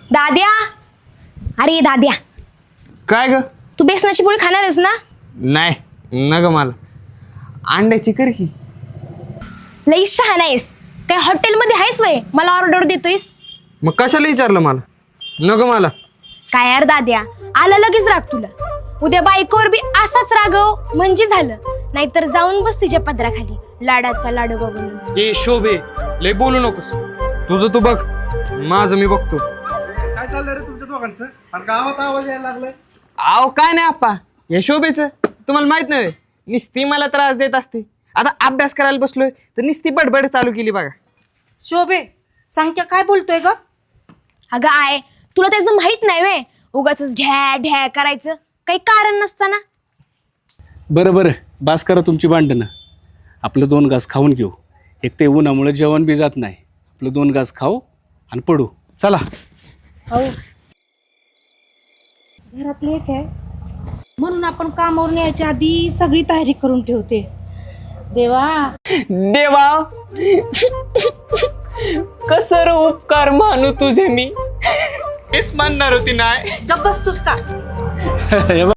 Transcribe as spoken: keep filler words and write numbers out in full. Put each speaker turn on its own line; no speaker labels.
दाद्या, अरे दाद्या,
काय ग?
तू बेसनाची पोळी खाणार आहेस ना?
नाही न ग मला अंड्याची कर की.
लई शहाणा आहेस. काय हॉटेलमध्ये आहेस वय मला ऑर्डर देतोयस?
मग कशाला विचारलं मला? न ग मला.
काय यार दाद्या, आला लगेच राग तुला. उद्या बायकोवर बी असाच रागव म्हणजे झालं. नाहीतर जाऊन बस तिच्या पदराखाली लाडाचा लाडू बघून.
ए शोभे, लय बोलू नकोस. तुझं तू बघ, माझं मी बघतो.
काय चाललंय रे तुमच्या दोघांचं? आणि गावात आवाज यायला लागलाय.
आव काय नाही आप्पा, या शोभेचं तुम्हाला माहित नाही. निस्ती मला त्रास देत असते. आता अभ्यास करायला बसलोय तर निस्ती बडबड चालू केली बघा.
शोभे, सांगत्या काय बोलतोय ग?
अगं आय, तुला त्याचं माहित नाही वे. उगाच ढ्या ढ्या करायचं काही कारण नसताना.
बरं बरं, बास करा तुमची भांडणं. आपलं दोन घास खाऊन घेऊ. एक ते उन्हामुळे जेवण बी जात नाही. आपलं दोन घास खाऊ आणि पडू. चला.
हो, घरात लेट आहे म्हणून आपण कामावरून यायच्या आधी सगळी तयारी करून ठेवते. देवा
देवा, कसर उपकार मानू तुझे मी. हेच मानणार होती नाही.
गप्प बसतोस का?
हे बघ,